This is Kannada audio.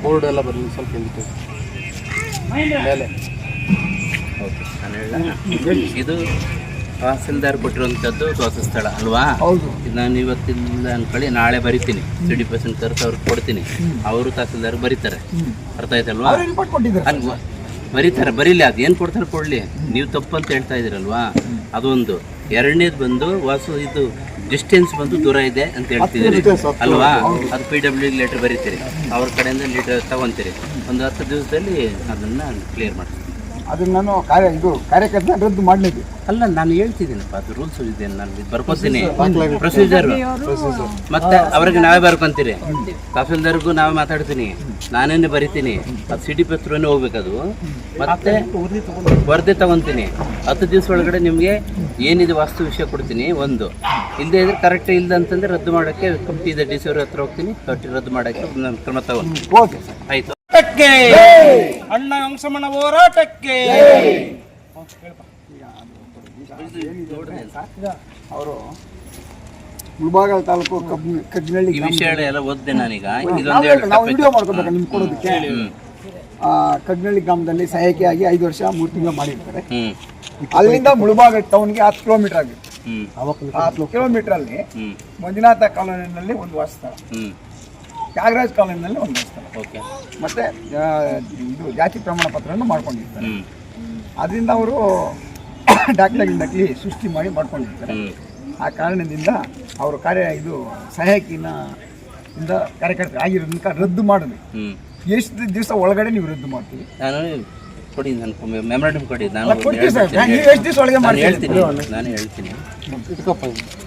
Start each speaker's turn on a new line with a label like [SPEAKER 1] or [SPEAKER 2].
[SPEAKER 1] ಬೋರ್ಡ್ ಎಲ್ಲ ಬರಲಿ ಸ್ವಲ್ಪ ಹಿಂದಕ್ಕೆ ಮೇಲೆ.
[SPEAKER 2] ಓಕೆ, ನಾನು ಹೇಳ ಇದು ತಹಸೀಲ್ದಾರ್ ಕೊಟ್ಟಿರುವಂಥದ್ದು ವಾಸಸ್ಥಳ ಅಲ್ವಾ?
[SPEAKER 3] ಹೌದು.
[SPEAKER 2] ಇದು ನಾನು ಇವತ್ತಿಲ್ಲ ಅಂದ್ಕೊಳ್ಳಿ, ನಾಳೆ ಬರಿತೀನಿ, 30% ತರಿಸಿ ಅವ್ರಿಗೆ ಕೊಡ್ತೀನಿ, ಅವರು ತಹಸೀಲ್ದಾರ್ ಬರೀತಾರೆ. ಅರ್ಥ ಆಯ್ತಲ್ವಾ? ಅಲ್ವಾ, ಬರೀತಾರೆ, ಬರೀಲಿ, ಅದು ಏನು ಕೊಡ್ತಾರೆ ಕೊಡಲಿ, ನೀವು ತಪ್ಪು ಅಂತ ಹೇಳ್ತಾ ಇದ್ದೀರಲ್ವಾ? ಅದೊಂದು. ಎರಡನೇದು ಬಂದು ಇದು ಡಿಸ್ಟೆನ್ಸ್ ಬಂದು ದೂರ ಇದೆ ಅಂತ ಹೇಳ್ತಿದ್ದೀರಿ ಅಲ್ವಾ? ಅದು PW ಲೆಟ್ರ್ ಬರೀತೀರಿ, ಅವ್ರ ಕಡೆಯಿಂದ ಲೆಟರ್ ತಗೊಂತೀರಿ, ಒಂದು 10 ದಿವಸದಲ್ಲಿ ಅದನ್ನು ಕ್ಲಿಯರ್ ಮಾಡ್ತೀನಿ.
[SPEAKER 3] ಅದನ್ನ ನಾನು ಕಾರ್ಯಕರ್ತನ ರದ್ದು ಮಾಡಲಿಕ್ಕೆ
[SPEAKER 2] ಅಲ್ಲ, ನಾನು ಹೇಳ್ತಿದ್ದೀನಪ್ಪ, ಅದು ರೂಲ್ಸ್ ಇದೆ, ನಾನು ಇದು ಬರ್ಕೊತೀನಿ, ಪ್ರೊಸೀಜರ್. ಮತ್ತೆ ಅವ್ರಿಗೆ ನಾವೇ ಬರ್ಕೊಂತೀರಿ, ತಹಸೀಲ್ದಾರ್ಗೂ ನಾವೇ ಮಾತಾಡ್ತೀನಿ, ನಾನೇನೆ ಬರಿತೀನಿ, ಅದು ಸಿಟಿ ಪತ್ರನೇ ಹೋಗ್ಬೇಕದು. ಮತ್ತೆ ವರದಿ ತಗೊತೀನಿ, 10 ದಿವಸ ಒಳಗಡೆ ನಿಮಗೆ ಏನಿದೆ ವಾಸ್ತು ವಿಷಯ ಕೊಡ್ತೀನಿ. ಒಂದು ಇಲ್ಲದೆ ಇದ್ರೆ ಕರೆಕ್ಟ್ ಇಲ್ಲ ಅಂತಂದ್ರೆ ರದ್ದು ಮಾಡೋಕ್ಕೆ ಕಮಿಟಿ ಇದೆ, DC ಅವ್ರ ಹತ್ರ ಹೋಗ್ತೀನಿ, ರದ್ದು ಮಾಡೋಕ್ಕೆ ನಾನು ಕ್ರಮ ತಗೊಂಡು. ಆಯ್ತು. ಅಣ್ಣ ಅಂಶಮಣ ಹೋರಾಟಕ್ಕೆ
[SPEAKER 3] ಅವರು ಮುಳಬಾಗಿಲು ತಾಲೂಕು ಕಗ್ನಳ್ಳಿ
[SPEAKER 2] ಈ ವಿಷಯ ಎಲ್ಲ ಓದಿದೆ ನಾನೀಗ.
[SPEAKER 3] ನಾವು ವಿಡಿಯೋ ಮಾಡ್ಕೋಬೇಕು ನಿಮ್ಗೆ ಕೊಡೋದಕ್ಕೆ. ಕಗ್ನಳ್ಳಿ ಗ್ರಾಮದಲ್ಲಿ ಸಹಾಯಕಿಯಾಗಿ 5 ವರ್ಷ 3 ತಿಂಗಳು ಮಾಡಿರ್ತಾರೆ. ಅಲ್ಲಿಂದ ಮುಳಬಾಗಿಲು ಟೌನ್ಗೆ 10 ಕಿಲೋಮೀಟರ್ ಆಗುತ್ತೆ. 10 ಕಿಲೋಮೀಟರ್ ಅಲ್ಲಿ ಮಂಜುನಾಥ ಕಾಲೋನಿನಲ್ಲಿ ಒಂದು ವಾಸಸ್ಥಳ, ತ್ಯಾಗರಾಜ್ ಕಾಲೋನಿನಲ್ಲಿ ಒಂದು ವಾಸಸ್ಥಳ, ಮತ್ತೆ ಇದು ಜಾತಿ ಪ್ರಮಾಣ ಪತ್ರವನ್ನು ಮಾಡ್ಕೊಂಡಿರ್ತಾರೆ. ಅದರಿಂದ ಅವರು ಡಾಕ್ಟರ್ಗಳಿಗೆ ಸೃಷ್ಟಿ ಮಾಡ್ಕೊಂಡಿರ್ತಾರೆ. ಆ ಕಾರಣದಿಂದ ಅವರು ಸಹಾಯಕಿನ ಕಾರ್ಯಕರ್ತರು ಆಗಿರೋದನ್ನ ರದ್ದು ಮಾಡಿದ್ವಿ. ಎಷ್ಟು ದಿವಸ ಒಳಗಡೆ ನೀವು ರದ್ದು ಮಾಡ್ತೀವಿ?
[SPEAKER 2] ನಾನು ಕೊಡಿ, ನಾನು ಮೆಮೊರಾಂಡಮ್ ಕೊಡಿ, ನಾನು
[SPEAKER 3] ಎಷ್ಟು ದಿವಸ ಒಳಗೆ
[SPEAKER 2] ಹೇಳ್ತೀನಿ.